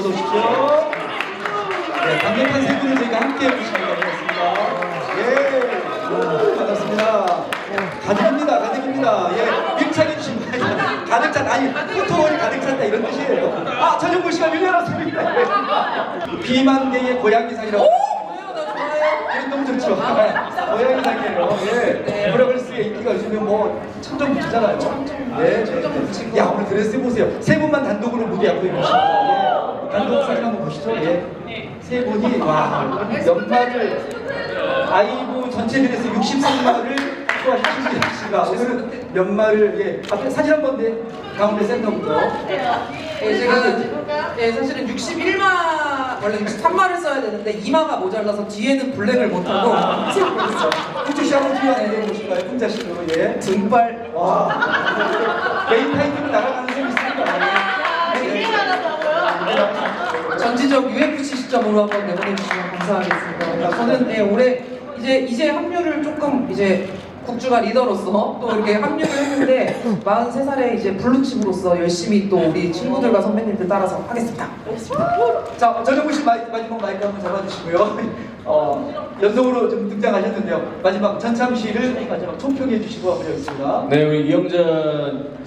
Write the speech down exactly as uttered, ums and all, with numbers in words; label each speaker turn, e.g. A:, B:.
A: 어서 오십시오. 네, 강력한 세 분을 저희가 함께 모시기로 하겠습니다. 예, 오, 반갑습니다. 가득입니다, 가득입니다. 예, 밀착해 주신 분 가득 찼다. 아니, 포토월이 가득 찼다 이런 뜻이에요. 아, 전현무 씨가 밀려났습니다. 예. 비만계의 고양이상이라고. 예, 너무 좋죠. 고양이상이에요. 예, 브라글스의 인기가 요즘에 뭐 천정부지잖아요. 예, 예. 야, 오늘 드레스 보세요. 세 분만 단독으로 무대 앞에 계십니다. 예. 단독 사진 한번 보시죠. 예. 세 분이 와 연말을 아이브 전체 드레스 육십삼 마를 소화한 신기한 씨가 오늘은 연말을 예 앞에 사진 한번 내 가운데 센터부터
B: 예, 제가 예, 사실은 육십일 마 원래 육십삼 마를 써야 되는데 이 마가 모자라서 뒤에는 블랙을 못하고 찍고 있어요.
A: 후추 씨 한번 뒤에 안에 보실까요? 혼자 씨로 예
B: 등발.
A: 와 메인 타이틀로 나가는 셈이 있습니다.
B: 전지적 유에프씨 시점으로 한번 내보내주시면 감사하겠습니다. 저는 예, 올해 이제 이제 합류를 조금 이제 국주가 리더로서 또 이렇게 합류를 했는데 마흔세 살에 이제 블루칩으로서 열심히 또 우리 친구들과 선배님들 따라서 하겠습니다.
A: 자, 전현무 씨 마이, 마지막 마이크 한번 잡아주시고요. 어, 연속으로 좀 등장하셨는데요. 마지막 전참 씨를 마지막 총평해 주시고 한번 하겠습니다.
C: 네, 우리 이영전